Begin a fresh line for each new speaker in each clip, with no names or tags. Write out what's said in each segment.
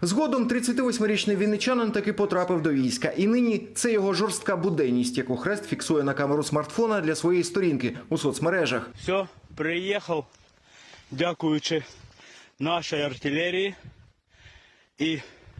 Згодом 38-річний вінничанин таки потрапив до війська. І нині це його жорстка буденність, яку Хрест фіксує на камеру смартфона для своєї сторінки у соцмережах.
Все, приїхав, дякуючи нашій артилерії і,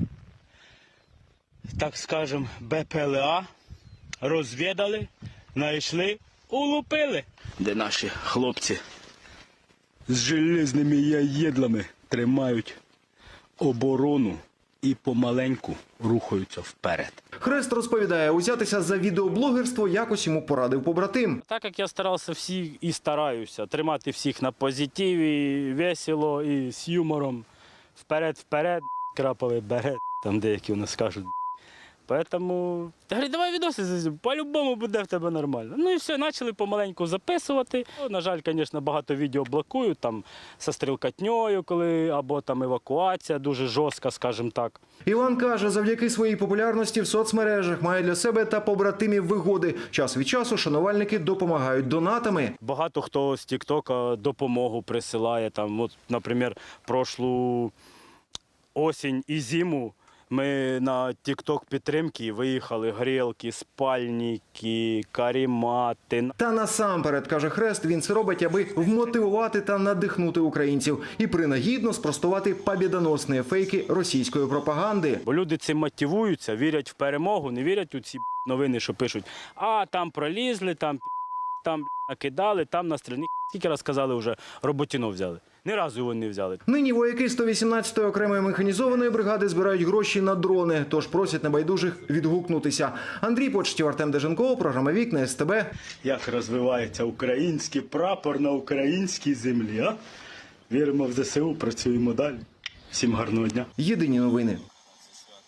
так скажем, БПЛА, розвідали, знайшли, улупили. Де наші хлопці з железними яєдлами тримають оборону і помаленьку рухаються вперед.
Хрест розповідає, узятися за відеоблогерство якось йому порадив побратим.
Так як я старався всіх і стараюся тримати всіх на позитиві, весело і з юмором. Вперед, краповий берет, там деякі у нас кажуть. Тому, говорю, давай відоси, по-любому буде в тебе нормально. Ну і все, почали помаленьку записувати. На жаль, звісно, багато відео блокують, там, зі стрілкатньою, коли, або там евакуація дуже жорстка, скажімо так.
Іван каже, завдяки своїй популярності в соцмережах має для себе та побратимів вигоди. Час від часу шанувальники допомагають донатами.
Багато хто з Тік-Тока допомогу присилає. Там, от, наприклад, прошлу осінь і зиму ми на Тік-Ток підтримки виїхали грілки, спальники, карімати.
Та насамперед, каже Хрест, він це робить, аби вмотивувати та надихнути українців і принагідно спростувати побєдоносні фейки російської пропаганди.
Бо люди цим мотивуються, вірять в перемогу, не вірять у ці новини, що пишуть, а там пролізли, там накидали, там настріляли. Скільки раз казали вже, Роботіно взяли. Ні разу його не взяли.
Нині вояки 118-ї окремої механізованої бригади збирають гроші на дрони, тож просять небайдужих відгукнутися. Андрій Почтів, Артем Деженков, програма «Вікна», СТБ.
Як розвивається український прапор на українській землі, а? Віримо в ЗСУ, працюємо далі. Всім гарного дня.
Єдині новини.